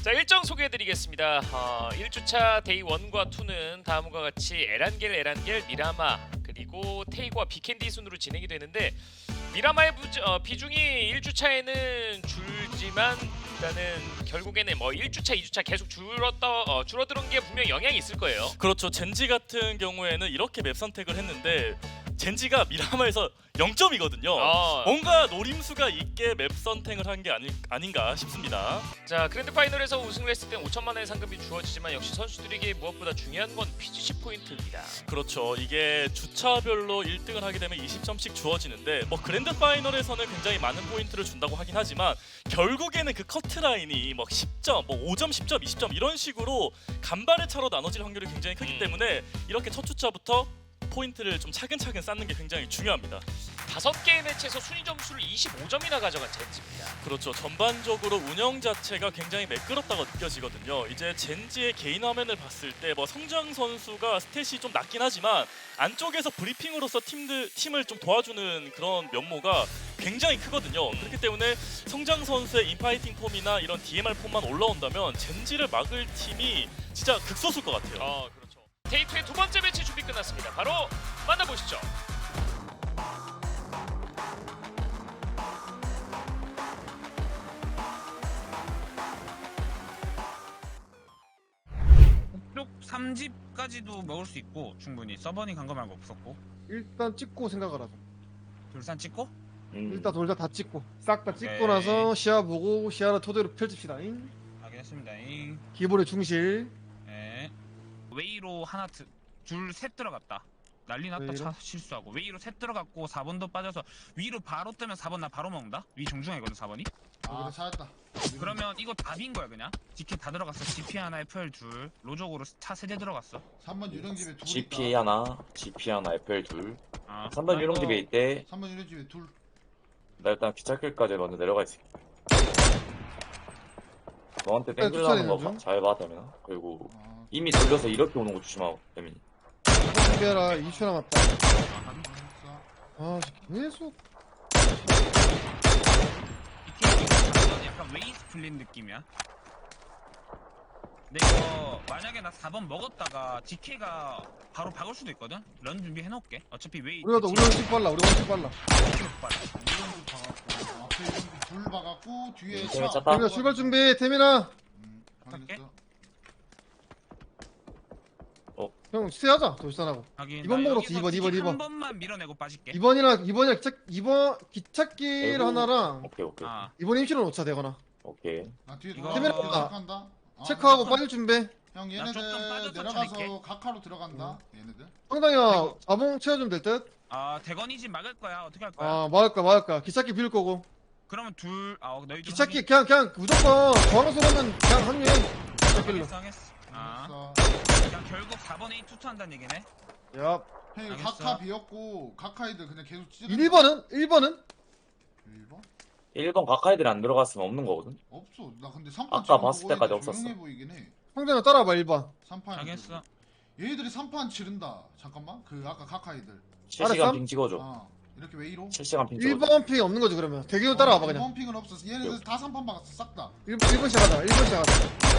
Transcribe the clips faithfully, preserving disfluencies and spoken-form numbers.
자, 일정 소개해드리겠습니다. 어, 일 주차 데이 일과 이는 다음과 같이 에란겔, 에란겔, 미라마 그리고 테이과 비캔디 순으로 진행이 되는데 미라마의 부, 어, 비중이 일 주차에는 줄지만 일단은 결국에는 뭐 일 주차, 이 주차 계속 줄었다, 어, 줄어드는 게 분명 영향이 있을 거예요. 그렇죠. 젠지 같은 경우에는 이렇게 맵 선택을 했는데 젠지가 미라마에서 영 점이거든요. 어. 뭔가 노림수가 있게 맵 선택을 한 게 아니, 아닌가 싶습니다. 자, 그랜드 파이널에서 우승을 했을 땐 오천만 원의 상금이 주어지지만 역시 선수들에게 무엇보다 중요한 건 피지씨 포인트입니다. 그렇죠. 이게 주차별로 일 등을 하게 되면 이십 점씩 주어지는데 뭐 그랜드 파이널에서는 굉장히 많은 포인트를 준다고 하긴 하지만 결국에는 그 커트라인이 뭐 십 점, 뭐 오 점, 십 점, 이십 점 이런 식으로 간발의 차로 나눠질 확률이 굉장히 크기 음. 때문에 이렇게 첫 주차부터 포인트를 좀 차근차근 쌓는 게 굉장히 중요합니다. 다섯 개의 매치에서 순위 점수를 이십오 점이나 가져간 젠지입니다. 그렇죠. 전반적으로 운영 자체가 굉장히 매끄럽다고 느껴지거든요. 이제 젠지의 개인 화면을 봤을 때 뭐 성장 선수가 스탯이 좀 낮긴 하지만 안쪽에서 브리핑으로서 팀들 팀을 좀 도와주는 그런 면모가 굉장히 크거든요. 그렇기 때문에 성장 선수의 인파이팅 폼이나 이런 디엠알 폼만 올라온다면 젠지를 막을 팀이 진짜 극소수일 것 같아요. 어, 그렇죠. 데이트의 두 번째 매치 준비 끝났습니다. 바로 만나보시죠. 쪽 삼 집까지도 먹을 수 있고 충분히 서버니 간 거 말고 없었고 일단 찍고 생각을 하자. 둘산 찍고 음. 일단 돌자 다 찍고 싹 다 찍고 오케이. 나서 시야 보고 시야를 토대로 펼칩시다. 잉? 확인했습니다. 잉. 기본의 중실. 예. 웨이로 하나 드, 둘 셋 들어갔다. 난리 났다. 웨이로? 차 실수하고 웨이로 셋 들어갔고 사 번도 빠져서 위로 바로 뜨면 사 번 나 바로 먹는다. 위 정중앙이거든 사 번이. 아, 찾았다. 그러면 이거 답인 거야 그냥. 지켓 다 들어갔어. 지피 하나, 에프엘 둘. 로적으로 차 세 대 들어갔어. 삼 번 유령집에 둘 지피 있다. 하나, 지피 하나, 에프엘 둘. 아, 삼 번 나 유령집에 이거 있대. 삼 번 유령집에 둘. 나 일단 기차길까지 먼저 내려가 있을게. 너한테 네, 땡기려는 거 쫓아내는 잘 봐, 되면. 그리고 아, 이미 돌려서 이렇게 오는 거 조심하고, 대민이. 준비해라. 이 초 남았다. 아, 확인. 알았어. 아 계속 이게 약간 웨이스 풀린 느낌이야. 근데 이거 만약에 나 사 번 먹었다가 디케이가 바로 박을 수도 있거든? 런 준비해 놓을게. 어차피 웨이 우리가 더 우리 훨씬 빨라. 우리 훨씬 빨라. 유령집 박았고, 앞에 유령집 둘 박았고, 뒤에 음, 차. 재밌 찼다. 태민아 출발 준비. 태민아. 음, 확인했어. 형 스테하자. 돌산하고. 이번 먹으러 이 번, 이 번, 이 번. 한 번만 밀어내고 빠질게. 이 번이랑 이 번이랑 기차 이번 기찻길 대구. 하나랑 오케이, 오케이. 아, 이번 임시로 놓자 되거나. 오케이. 나 뒤에 이거- 돌아가서 태민아, 체크한다. 아, 체크하고 나- 빠질 준비. 형 나 조금 얘네들 빠져서 내려가서 쳐낼게. 각하로 들어간다. 얘네들. 상당히야 자봉 채워주면 될 듯. 아 대건이 집 막을 거야. 어떻게 할 거야? 아 막을 거야 막을 거야. 기찻길 비울 거고. 그러면 둘, 아 너희 좀 기찻길 그냥 그냥 무조건 저항수로는 그냥 합류해. 확인- 기찻길로. 확인했어, 확인했어. 아, 알았어. 그냥 결국 사 번에 투투한다는 얘기네. 야. 형 알겠어. 각하 비었고 각하이들 그냥 계속 찌르. 일 번은 일 번은 일 번? 일 번 각하이들이 안 들어갔으면 없는 거거든. 없어. 나 근데 삼 판 아까 봤을 때까지 없었어. 조용해 보이긴 해. 상대는 따라봐 일 번. 삼 판. 알겠어. 얘들이 삼 판 치른다. 잠깐만. 그 아까 각하이들. 실시간 알았어? 핑 찍어줘. 아 이렇게 왜 이러? 실시간 핑 일 찍어줘. 번 픽 없는 거지 그러면. 대기로 따라와봐 그냥. 원 픽은 없었어. 얘네들 다 삼 판 박았어. 싹 다. 일 번 시작하자. 일 번 시작하자.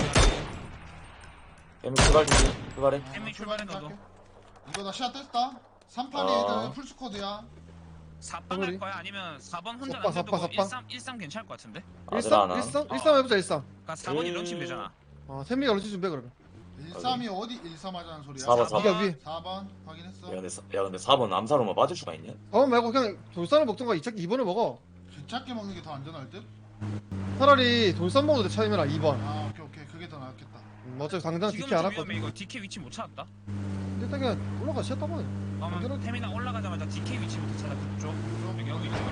대민 출발 준비, 출발해. 아, 햄미 나 출발해, 출발해, 너도. 할게. 이거 나 시야 뗐다. 삼 판에 어. 얘들 풀스쿼드야. 사 번 우리? 갈 거야? 아니면 사 번 혼자 sappa, 남겨두고 sappa, 일 sappa. 삼, 일 삼 괜찮을 것 같은데? 아들아, 일삼 나. 일삼 일삼 해보자 일삼. 그니까 사 번이 음. 런칭 되잖아. 어 샘미가 런치 준비해 그러면. 일삼이 어디 일삼 하자는 소리야? 사 번, 사 번. 네가 위에. 사 번 확인했어. 야, 근데, 사- 야, 근데 사 번 암사로만 빠질 수가 있냐? 어 말고 그냥 돌산을 먹던가 이 이 번을 먹어. 귀찮게 먹는 게 더 안전할 듯? 차라리 돌산 먹어도 돼 차이면 이 번. 아 오케이 오케이 그게 더 낫겠다. 음, 어차피 당장 지금 디키 안 좀 왔거든. 위험해. 이거 디케이 위치 못 찾았다. 일단 그냥 올라가 시야 따봐. 그러면 당연하지. 태민아 올라가자마자 디케이 위치부터 찾아. 그쪽. 여기 여기 여기.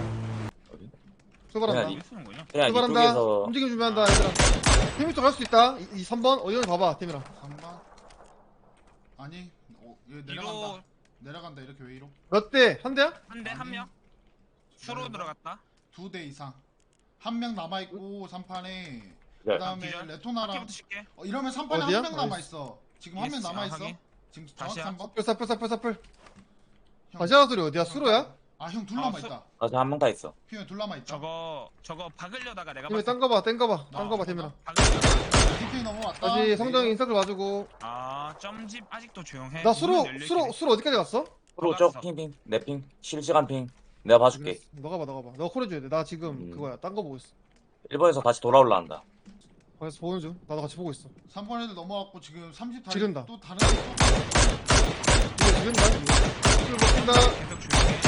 출발한다. 그냥 여기 쓰는군요. 그냥 출발한다. 이쪽에서 움직임 준비한다 얘들아. 태민 쪽갈 수 있다. 이, 이 삼 번 어디 봐봐 태민아. 삼 번. 아니 어, 얘 뒤로 내려간다. 내려간다 이렇게 왜 이러? 몇 대? 한 대야? 한 대 한 아니. 명. 수로 들어갔다. 두 대 이상. 한 명 남아 있고 삼 판에. 네. 그다음에 기절. 레토나랑 바퀴부터 칠게. 어, 이러면 삼 판에 어디야? 한 명 남아 있어. 지금 한 명 예스, 남아 아, 있어. 확인. 지금 정확히 다시야. 삼 번. 사플 사플 사플 사플. 다시아 소리 어디야? 수로야? 아 형 둘 남아 아, 있다. 아직 한 명 다 있어. 피면 둘 남아 있다. 저거 저거 박으려다가 내가 팀이 봤을 딴거 봐 땡거 봐 나 딴거 봐 태민아. 박으려다가 디케이 넘어왔다. 다시 성정이 인서클 봐주고. 아 점집 아직도 조용해. 나 수로 문은 열려 수로 있긴 해. 수로 어디까지 갔어? 프로 들어갔어. 쪽 핑핑 내 핑 실시간 핑 내가 봐줄게. 너가 봐 너가 봐. 너가 콜해줘야 돼. 나 지금 음. 그거야 딴 거 보고 있어. 일 번에서 다시 돌아올라 한다. 거기서 보는 중. 나도 같이 보고 있어. 삼 번 애들 넘어왔고 지금 삼십 다리 지른다. 또 다른 애들 또 이거 지른다. 술 먹힌다. 계속 조용해.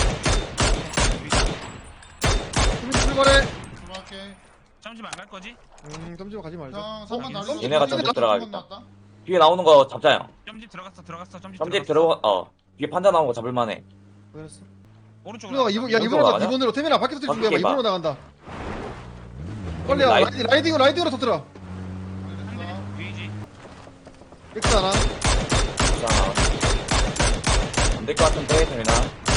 태민 출발해. 들어갈게. 점집 안 갈 거지? 음 점집 가지 말자. 형 삼 번 어, 다리. 얘네가 삼 번 점집 들어가겠다. 나왔다. 뒤에 나오는 거 잡자 형. 점집 들어갔어 들어갔어 점집 점집 들어갔어. 들어가 어 뒤에 판자 나온 거 잡을만해. 그랬어. 오른쪽으로 준호가 이번 야 어디로 이번으로 가 나가냐? 이번으로 태민아 밖에서 뛸 준비해봐. 바뀌게 봐. 이번으로 나간다. 빨리 와 라이- 라이딩 라이딩으로 라이딩으로 터뜨려. 알겠어. 위지. 엑스 하나. 안될 것 같은데 태민아.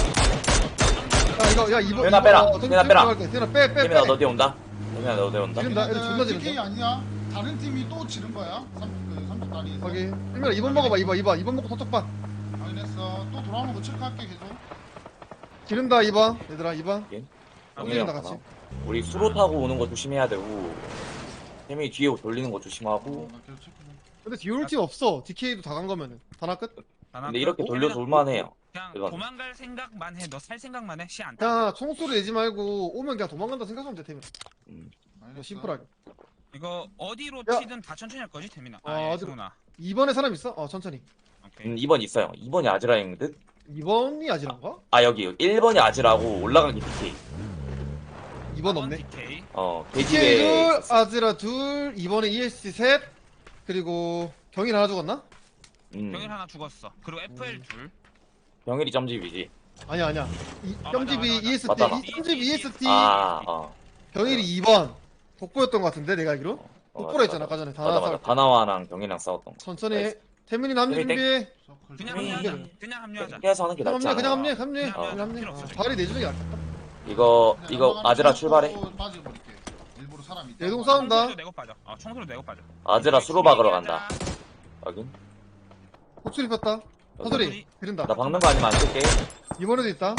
야 이거 야 이번 태민아 빼라. 이번 태민아 빼라. 태민아 빼빼 태민아 빼. 너 뒤에 온다. 태민아 너 뒤에 온다. 지금 나 애들 존나 디케이 지른다. 아니야. 다른 팀이 또 지른 거야. 삼 그 삼십 다리에서. 거기 태민아 이번 먹어봐 이번 이번 이번 먹고 서쪽 봐. 확인했어. 또 돌아오는 거 체크할게 계속. 지른다 이번 얘들아 이번. 영민이 지른다 형 같이. 우리 수로 타고 오는 거 조심해야 되고 태민이 뒤에 돌리는 거 어, 조심하고. 나 계속 체크해. 근데 뒤에 올 팀 없어. 디케이도 다 간 거면은 다나 끝. 근데 이렇게 돌려서 올만해요. 그냥 이건. 도망갈 생각만 해. 너 살 생각만 해. 시 안. 그냥 총소리 내지 말고 오면 그냥 도망간다 생각하면 돼 태민아. 음. 알겠어. 뭐 심플하게. 이거 어디로 야. 치든 다 천천히 할 거지 태민아. 아, 아, 예, 어디로? 승훈아. 이번에 사람 있어? 어 천천히. 오케이. 음, 이 번 있어요. 이 번이 아즈라인 듯? 이번이 아지란가? 아 여기 일 번이 아즈라고 올라가기 디케이. 이번 없네. 디케이. 어 디케이 계집에 둘, 아즈라 둘, 이번에 이에스씨 셋, 그리고 경일 하나 죽었나? 음, 병일 하나 죽었어. 그리고 에프엘 둘. 병일이 점집이지. 아니야 아니야. 이, 아, 점집이 맞아, 맞아. 이에스티, 맞다, 맞다. 이, 점집 이에스티, 아 어. 경일이 이 번. 독보였던 것 같은데 내가 알기로. 어, 독보라 맞아, 했잖아 아까 전에 다 맞아 맞아. 나왔어. 다나와랑 경이랑 싸웠던 거. 천천히 해. 나이스. 태민이 남주 태민이 준비해. 서클 그냥 좀. 합류하자. 음. 그냥 합류하자. 피해서 하는 게 그냥 낫지 합류해 않아? 그냥 합류해 합류해. 그냥 그냥 합류해. 필요 없어, 어, 지금. 발이 내주는 게 낫겠다. 이거 그냥 이거 연막하나 아즈라 쳐놓고 출발해. 빠져버릴게. 일부러 사람 있다. 내동 싸운다. 청소도 내고 빠져. 어, 청소도 내고 빠져. 아즈라 수로 박으러 간다. 여긴. 호출이 폈다. 사소리. 지른다. 나 박는 거 아니면 안 쓸게. 이번에도 있다.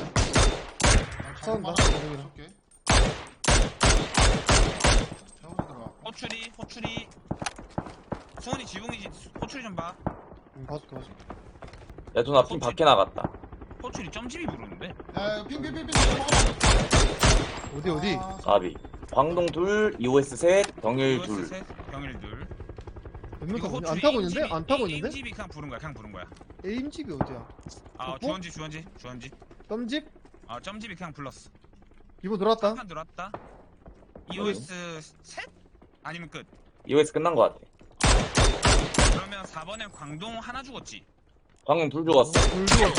싸운다. 싸운다. 호출이 호출이. 승훈이 지붕이지. 호출이 좀 봐. 음, 봐줄게 봐줄게. 내 누나 핀 밖에 나갔다. 호출이 점집이 부르는데. 야, 핑핑핑핑 어디 어디? 가비. 광동 둘, 이오에스 셋, 경일 이오에스 둘. 셋, 병일 둘. 몇명 이거 타고 있냐? 호출이 안 타고 에임집이- 있는데? 안 타고 에임- 있는데? 에임집이 그냥 부른 거야. 그냥 부른 거야. 에임집이 어디야? 아, 어? 주원지 주원지 주원지. 점집? 아, 점집이 그냥 불렀어. 이번 들어왔다. 한판 들어왔다. 이오에스 셋? 아니면 끝. 이오에스 끝난 거 같아. 그러면 사 번에 광동 하나 죽었지. 광동 둘 죽었어. 불 죽었어.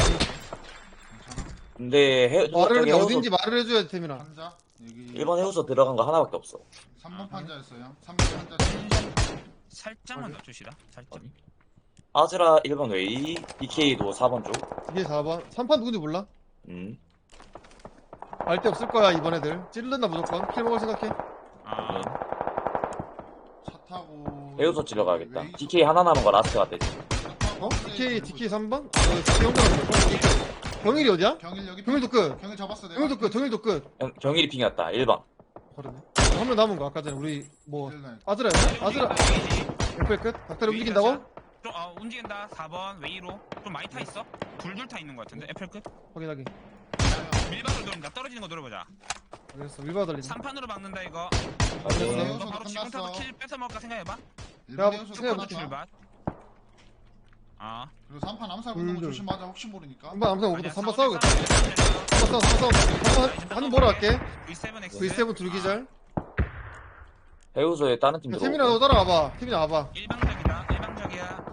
근데 해, 말을 저기 근데 해우소 어딘지 말을 해줘야 돼 태민아. 판자 여기 일 번 해우소 들어간 거 하나밖에 없어. 삼 번 판자였어요. 삼 번 판자. 살짝만 낮추시다. 살짝. 아즈라 일 번 웨이, 디케이도 사 번 쪽. 이게 사 번. 삼 판 누군지 몰라? 음. 알 데 없을 거야 이번 애들. 찌른다 무조건. 킬 먹을 생각해. 아, 차 타고 해우소 찔러 가야겠다. 웨이 디케이 하나 남은 거 라스트 같아. 차 타고 어? 웨이 디케이 찔러 디케이 삼 번? 어, 디케이 형들 경일이 어디야? 경일 여기 경일도 끝. 경일 잡았어 내가. 경일도 끝. 경일도 끝. 경, 경일이 핑이었다. 일 번. 그러네. 한 명 남은 거 아까 전에 우리 뭐 일 날. 아즈라였나? 아즈라. 에프엘 끝. 닭다리 움직인다고? 좀, 어, 움직인다. 사 번 웨이로. 좀 많이 타 있어. 둘둘 타 있는 것 같은데. 에펠 끝. 확인하기. 밀박을 노린다. 떨어지는 거 노려보자. 알겠어. 밀바 달리네. 삼 판으로 막는다 이거. 알겠어. 해우소도 너 바로 지금 타서 끝났어. 킬 뺏어 먹을까 생각해봐. 일본 야, 해우소 생각 쭉 끝났다. 출발. 아. 그리고 삼 판 암살 붙는 거 둘, 둘. 조심하자. 혹시 모르니까. 한번 암상 오거든. 아니야, 삼번 싸우자, 싸우겠다. 싸우자. 한번 싸워. 삼번 싸워. 한번 보러 갈게. 브이 세븐 X. 브이 세븐 둘기절. 해우소에 다른 팀 야, 들어오고. 태민아 너 따라와봐. 태민아 와봐. 일방적이다. 일방적이야.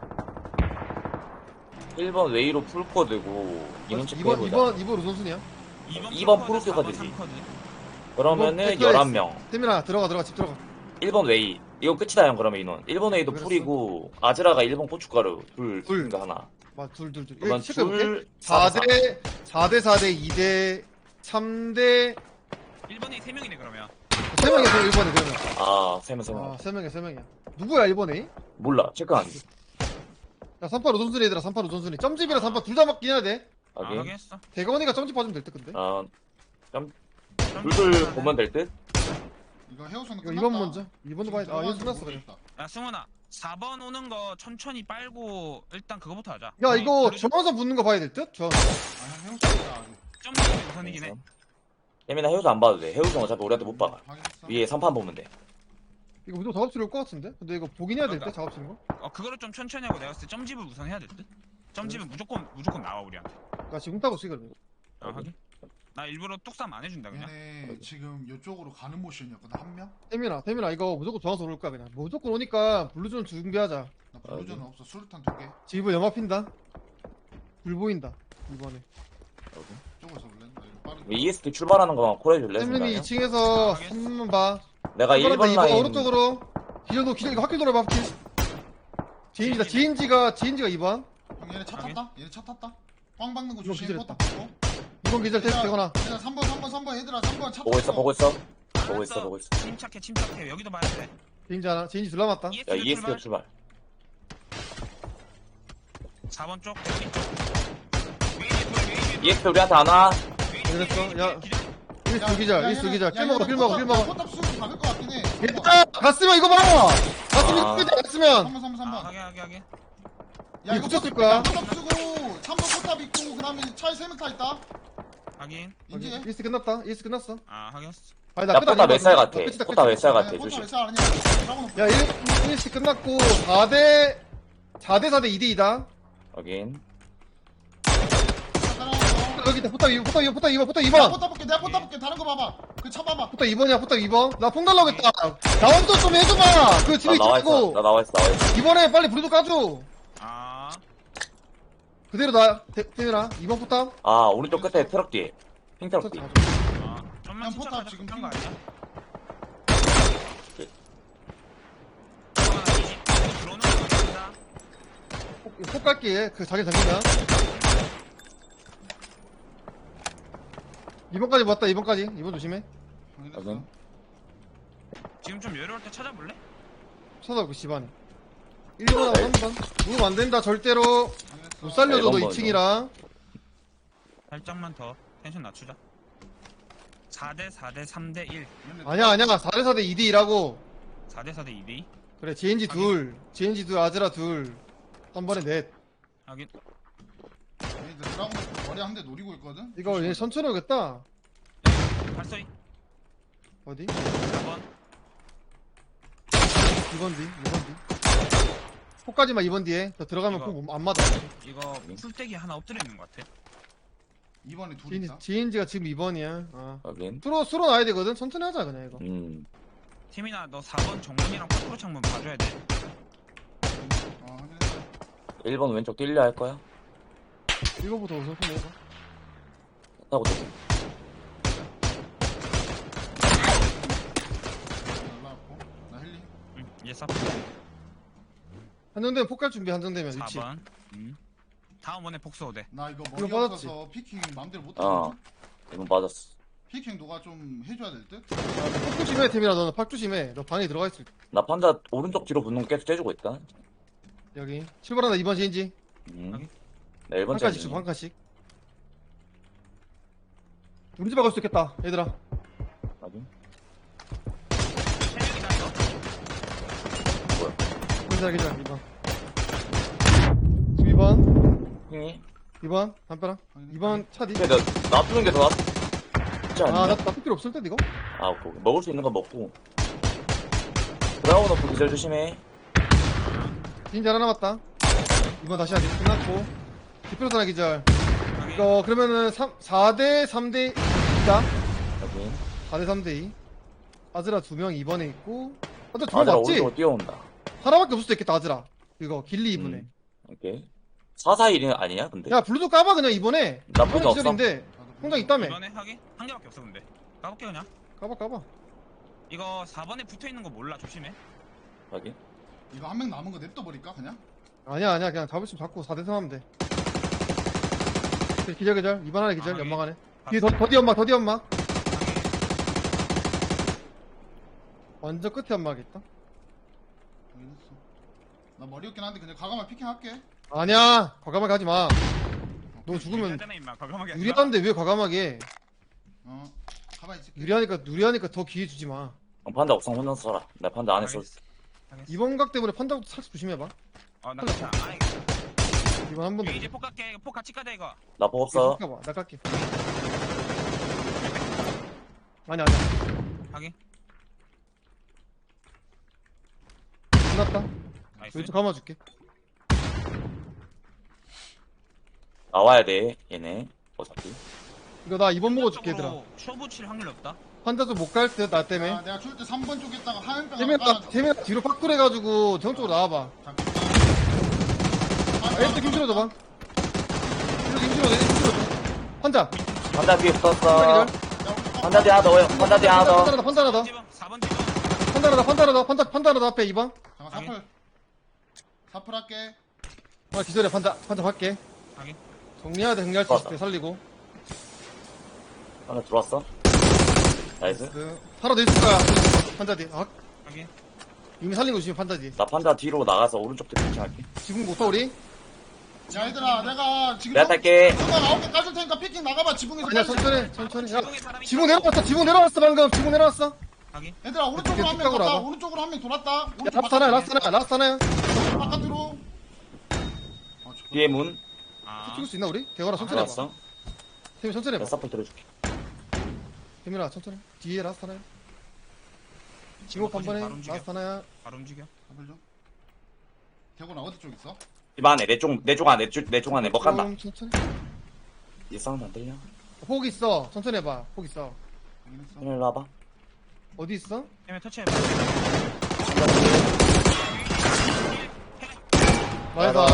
일 번 웨이로 풀코드고 인원 체크 이번 해보자. 이번 이번 우선순위야. 이 번 프로코드, 프로듀서가 사 번 되지. 삼 코드. 그러면은 이번 열한 명. 태민아 들어가 들어가 집 들어가. 일 번 웨이. 이거 끝이다 형 그러면 인원. 일 번 웨이도 그랬어. 풀이고 아즈라가 일 번 고춧가루 둘. 둘. 둘. 하나. 둘둘 둘. 그러면 이거 체크해볼게. 둘. 사 사, 사. 대 사 대 사 대 이 대 삼 대 일 번에 세 명이네 그러면. 세 명이야 일 번에 그러면. 아, 세 명, 세 명. 아, 세 명이야 세 명이야. 누구야 일 번에? 몰라. 체크 안 해. 야 삼팔 우선순위 얘들아 삼팔 우선순위. 점집이랑 삼팔 둘 다 맞긴 해야 돼. 아 확인. 확인했어. 대건이가 점집 봐주면 될 듯 근데. 어, 점 둘둘 찍어놔야 보면 될 듯? 이거 해우소는 이거 끝났다. 이 번 먼저. 이 번도 봐야 돼. 아 지금 이거 끝났어 그래. 모르겠다. 야 승훈아 사 번 오는 거 천천히 빨고 일단 그거부터 하자. 야 이거 블루- 중앙선 붙는 거 봐야 될 듯? 저. 아, 형 해우소 있다 아직. 점 찍는 게 우선이긴 해. 예민아 해우소 안 봐도 돼. 해우소는 어차피 우리한테 못 박아. 확인했어. 위에 삼판 보면 돼. 이거 무조건 작업치러 올것 같은데? 근데 이거 보긴 해야 될 듯? 그러니까. 작업치는 거? 어 그거를 좀 천천히 하고 내가 봤을 때 점집을 우선 해야 될 듯. 점집은 무조건 무조건 나와 우리한테. 나 지금 따고 쓰 그러면. 아 확인. 나 일부러 뚝삼 안 해준다 그냥. 얘네 지금 이쪽으로 가는 모션이었거든 한 명? 태민아 태민아 이거 무조건 중앙선 올 거야 그냥. 무조건 오니까 블루존 준비하자. 나 블루전은 없어. 수류탄 두 개. 지금 연마 핀다. 불 보인다 이번에. 쪽에서 올래? 나 이거 빠르게. 이에스티 출발하는 거만 콜해줄래? 태민이 순간이요? 이 층에서 아, 알겠어. 한번 봐. 내가 일 번 이번 라인 오른쪽으로. 기절도 기절 이거 학교 돌아봐 학교. 지인지다 지인지가 지인지가 이 번. 형 얘네 차 확인. 탔다? 얘네 차 탔다? 꽝 박는 거 이거 조심. 기절했다. 포탑 보고. 이 번 기절 테스트 되거나. 얘들아 삼 번 삼 번 삼 번 얘들아 삼 번 차 보고 있어 탔어. 보고 있어 보고 알았어. 있어 보고 있어. 침착해 침착해 여기도 봐야 돼. 지인지 하나 지인지 둘 남았다. 야 이에스티 출발. 사 번 쪽 대기 쪽. 웨이비 돌 웨이비 돌. 이에스티 우리한테 안 와. 그랬어? 야. 기절. 일스 기절 일스 기절. 킬 먹어 킬 먹어 킬 먹어. 포탑 수비 박을 것 같긴 해. 얘들아 갔으면 이거 봐. 갔으면 아. 이거 봐. 갔으면. 삼 번 삼 번 삼 아 번. 하게 하게 하게. 야 이거 이거 붙였을 포탑- 거야. 야, 포탑 쓰고 삼 번 포탑 있고 그다음에 차에 세 명 타 있다. 확인. 인지해. 일스 끝났다. 일스 끝났어. 아 확인했어. 아니 야 끝 포타 아니야. 몇 살 같아? 끝이다, 끝이다. 포타 몇 살 아니야, 같아? 포탑 조심. 왜살 아니야? 드라곤 없어. 야 일 시 끝났고 사 대 사 대 사 대 이 대 이다. 확인. 따라와서. 여기 있다. 포탑 이 번 포탑 이 번 포탑 이 번 포탑 이 내가 번. 포탑 볼게. 내가 포탑 볼게. 다른 거 봐봐. 그 차 봐봐. 포탑 이 번이야. 포탑 이 번. 나 폰 달라고 했다. 나 혼자 좀 해줘봐. 그 나 집에 나와 있어. 나 있고 나와 있어. 나와 있어. 이번에 빨리 불도 까줘. 아 그대로 나 태민아 이 번 포탑. 아 오른쪽 끝에 트럭 뒤에. 핑 트럭 뒤. 아. 좀만 형, 침착하자. 포탑 지금 급한 거 핑- 아니야? 네. 하나 이십 이거 들어오는 거 같습니다. 폭 갈게. 그 자기 잠긴다. 이 번까지 봤다. 이 번까지. 이 번 조심해. 확인했어. 지금 좀 여유로울 때 찾아볼래? 쳐다보고 집안에. 일 번하고 삼 번. 무브 안 된다. 절대로 확인했어. 못 살려줘. 너 네, 일 번 이 층이라. 살짝만 더 텐션 낮추자. 사 대 사 대 삼 대 일. 얘네 아니야 아니야. 사 대 사 대 이 대 이라고. 사 대 사 대 이 대 이. 그래. 제인지 둘. 제인지 둘. 아즈라 둘. 한 번에 넷. 하긴. 얘네들 드라곤 머리 한 대 노리고 있거든. 이거 얘 천천히 오겠다. 발소리. 어디? 사 번. 이 번 뒤. 이 번 뒤. 폭까지만 이 번 뒤에. 더 들어가면 이거. 폭 안 맞아. 이거 풀떼기 하나 엎드려 있는 것 같아. 이번에 둘 제인지, 있다. 제인지가 지금 이 번이야. 어. 확인. 수로, 수로 나야 되거든. 천천히 하자, 그냥 이거. 음. 태민아 너 사 번 정문이랑 파크로 창문 봐줘야 돼. 어, 확인했어. 일 번 왼쪽 뛸려 할 거야? 이거부터 우선 손 내봐. 타고 또. 날라왔고. 나 헬리. 응. 이제 사 한정되면 폭갈 준비, 한정되면 사 위치. 번. 음. 다음 원에 복수 오대. 나 이거 머리 이거 빠졌지? 없어서 피킹 맘대로 못 어. 하거든. 이번 맞았어. 피킹 누가 좀 해줘야 될 듯? 폭 조심해, 태민아. 너는 팍 조심해. 너 방에 들어가 있을 때. 나 판자 오른쪽 뒤로 붙는 거 계속 째주고 있다. 여기. 출발한다, 이 번 제인지. 음. 확인. 나 일 번 한 칸씩 주고, 한 칸씩. 우리 집 박을 수 있겠다, 얘들아. 확인. 세 명이다 이거. 괜찮아, 괜찮아, 이 번. 지금 이 번. 형이? 이 번. 담벼락. 이 번 차 뒤. 근데 나 놔두는 게 더 낫지 않냐? 아, 나, 나쁠 필요 없을 듯, 이거? 아, 오케이, 오케이. 먹을 수 있는 거 먹고. 드라곤 오프 기절 조심해. 제인지 하나 남았다. 이 번 다시 하기. 끝났고. 디플로스 하나 기절. 확인. 이거, 그러면은 사 대 삼 대 이다. 확인. 사 대 삼 대 이. 아즈라 두 명 이 번에 있고. 아즈라 두 명 아들아 맞지? 오른쪽으로 뛰어온다. 하나밖에 없을 수도 있겠다, 아즈라. 이거, 길리 이 번에. 음. 오케이. 사사일이 아니냐, 근데? 야, 블루도 까봐, 그냥 이번에. 나쁜 거 없어. 기절인데. 통장 있다며. 이번에 하긴 한 개밖에 없어 근데. 까볼게 그냥. 까봐, 까봐. 이거 사 번에 붙어 있는 거 몰라 조심해. 확인. 이거 한 명 남은 거 냅둬 버릴까 그냥? 아니야, 아니야. 그냥 잡을 수 잡고 사 대 삼 하면 돼. 그래, 기절, 기절. 이 번 안에 기절, 아, 연막 안에. 아, 뒤에 더, 더디 연막, 더디 연막. 완전 끝에 연막이 있다. 확인했어. 나 머리 없긴 한데 그냥 가가만 피킹 할게. 아니야. 과감하게 하지 마. 어, 너 죽으면 유리하잖아, 임마. 과감하게 하지 마. 유리한데 왜 과감하게 해? 어 가만히 있을게. 유리하니까 유리하니까 더 기회 주지 마. 어, 판다 옥상 혼자서 살아. 나 판다 안에 서 알겠어. 알겠어. 이번 각 때문에 판다부터 살짝 조심해봐. 어, 나 괜찮아. 아, 이번 한 번 더. 이거 이제 폭 갈게. 폭 같이 까자 이거. 나폭 없어. 봐. 나 깎게. 아니 아니야. 확인. 끝났다. 나이스. 왼쪽 감아줄게. 나와야 돼 얘네. 어차피. 이거 나 이번 먹어줄게 얘들아. 쪽으로 쇼부 칠 확률이 없다. 판다 좀 못 갈 듯 나 때문에. 야, 내가 줄 때 삼 번 쪽에다가 하얀병 태민아 태민아 뒤로 파쿠해가지고 정 쪽으로 나와봐. 아, 일단 김치로 줘봐. 김치로 김치로 내 김치로 줘. 판자. 판다 뒤에 판자 붙었어. 기절. 판다 뒤에 하나 더. 판다 뒤에 하나 더. 판다 하나 더. 판다 하나 더. 집어. 사 번 집어. 판다 하나 더. 판다 하나 더. 판다 판다 하나 더 앞에 이 번. 잠깐 사플 사플 할게. 아 기절해 판다 판다 할게. 확인. 정리해야 돼. 정리할 수 있을 때 살리고. 판다 들어왔어. 나이스. 그 살아 낼 거야. 판자 뒤. 아 확인. 이미 살린 거 지금 판다 뒤. 나 판다 뒤로 나가서 오른쪽 뒤 피칭할게. 지금 못 타 우리? 야 얘들아 내가 지금 내가 탈게. 내가 아홉 개 까줄 테니까 피킹 나가봐 지붕에서. 아니야 빨리. 천천히 천천히. 야 지붕에 사람이 지붕 내려왔어. 지붕 내려왔어 방금. 지붕 내려왔어. 확인. 얘들아 오른쪽으로 한 명 뒷각으로 갔다. 와봐. 오른쪽으로 한 명 돌았다. 야 오른쪽 라스트 하나야 바깥으로. 라스트 하나야 라스트 하나야. 바깥으로. 아, 좋다. 뒤에 문. 아. 찍을 수 있나 우리? 대화라 천천히 해봐. 들어왔어. 태민 천천히 내가 해봐. 사플 들어줄게. 태민아 천천히. 뒤에 라스트 하나야. 지목 한 번에 바로 움직여. 라스트 하나야. 바로 움직여. 사플 좀. 대구나 어디 쪽 있어? 집 안에 내쪽내쪽 안에 내쪽 안에 뭐 간다. 좀 천천히. 이 사운드 안 들려? 폭 있어. 천천히 해봐. 폭 있어. 확인했어. 일로 와봐. 어디 있어? 해면 터치해봐. 말다.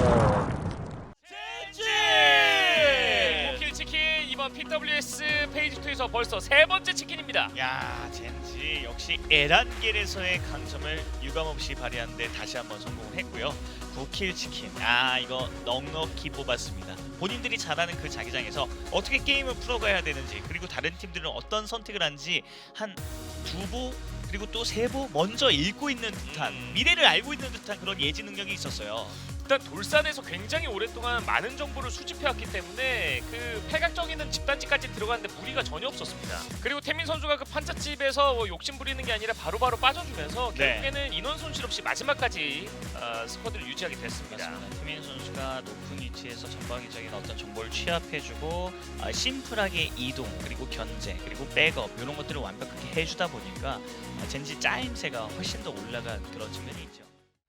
젠지! 킬 치킨 이번 피더블유에스 페이지 이에서 벌써 세 번째 치킨입니다. 야, 젠지 역시 에란겔에서의 강점을 유감없이 발휘하는데 다시 한번 성공을 했고요. 구 킬 치킨. 아, 이거 넉넉히 뽑았습니다. 본인들이 잘하는 그 자기장에서 어떻게 게임을 풀어가야 되는지, 그리고 다른 팀들은 어떤 선택을 하는지 한 두 보 그리고 또 세 보 먼저 읽고 있는 듯한, 음. 미래를 알고 있는 듯한 그런 예지 능력이 있었어요. 일단 돌산에서 굉장히 오랫동안 많은 정보를 수집해왔기 때문에 그 팔각정에는 집단지까지 들어갔는데 무리가 전혀 없었습니다. 그리고 태민 선수가 그 판자집에서 뭐 욕심 부리는 게 아니라 바로바로 빠져주면서 네. 결국에는 인원 손실 없이 마지막까지 어, 스쿼드를 유지하게 됐습니다. 맞습니다. 태민 선수가 높은 위치에서 전방위적인 어떤 정보를 취합해주고 아, 심플하게 이동 그리고 견제 그리고 백업 이런 것들을 완벽하게 해주다 보니까 아, 젠지 짜임새가 훨씬 더 올라간 그런 측면이 있죠.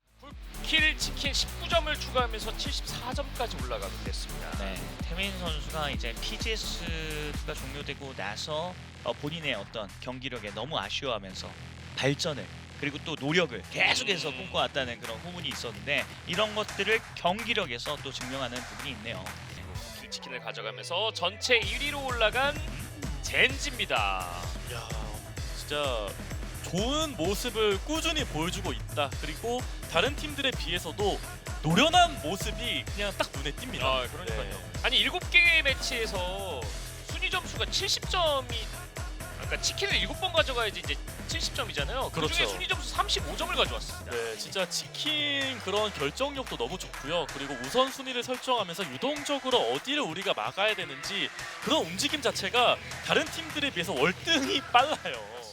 킬 치킨 십구 점을 추가하면서 칠십사 점까지 올라가게 됐습니다. 네, 태민 선수가 이제 피지에스가 종료되고 나서 어, 본인의 어떤 경기력에 너무 아쉬워하면서 발전을 그리고 또 노력을 계속해서 꿈꿔왔다는 그런 후문이 있었는데 이런 것들을 경기력에서 또 증명하는 부분이 있네요. 킬 치킨을 가져가면서 전체 일 위로 올라간 젠지입니다. 야, 진짜 좋은 모습을 꾸준히 보여주고 있다. 그리고 다른 팀들에 비해서도 노련한 모습이 그냥 딱 눈에 띕니다. 아, 그러니까요. 네. 아니 일곱 개 매치에서 순위 점수가 칠십 점이 그러니까 치킨을 일곱 번 가져가야지 이제 칠십 점이잖아요. 그 중에 그렇죠. 순위 점수 삼십오 점을 가져왔습니다. 네, 진짜 지킨 그런 결정력도 너무 좋고요. 그리고 우선순위를 설정하면서 유동적으로 어디를 우리가 막아야 되는지 그런 움직임 자체가 다른 팀들에 비해서 월등히 빨라요.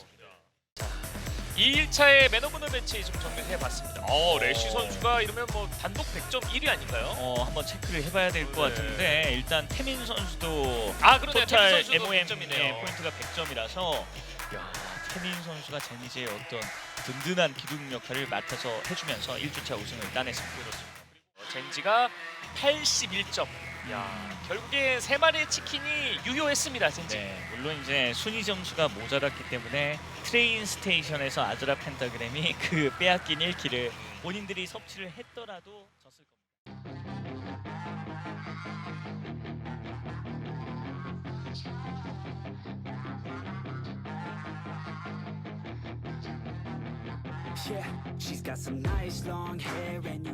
이 일 차의 맨 오브 더 매치 좀 정리해봤습니다. 어, 래쉬 선수가 이러면 뭐 단독 백 점 일 위 아닌가요? 어, 한번 체크를 해봐야 될 것 네. 같은데 일단 태민 선수도 아, 그러네요. 태민 토탈 선수도 엠오엠 백 점이네요. 포인트가 백 점이라서 야, 태민 선수가 제니제의 어떤 든든한 기둥 역할을 맡아서 해주면서 일 주차 우승을 따냈습니다. 어, 젠지가 팔십일 점. 야, 결국에 세 마리의 치킨이 유효했습니다, 젠지. 네, 물론 이제 순위 점수가 모자랐기 때문에 트레인 스테이션에서 아즈라 펜타그램이 그 빼앗긴 일 킬을 본인들이 섭취를 했더라도 졌을 겁니다. Yeah, she's got some nice long hair and you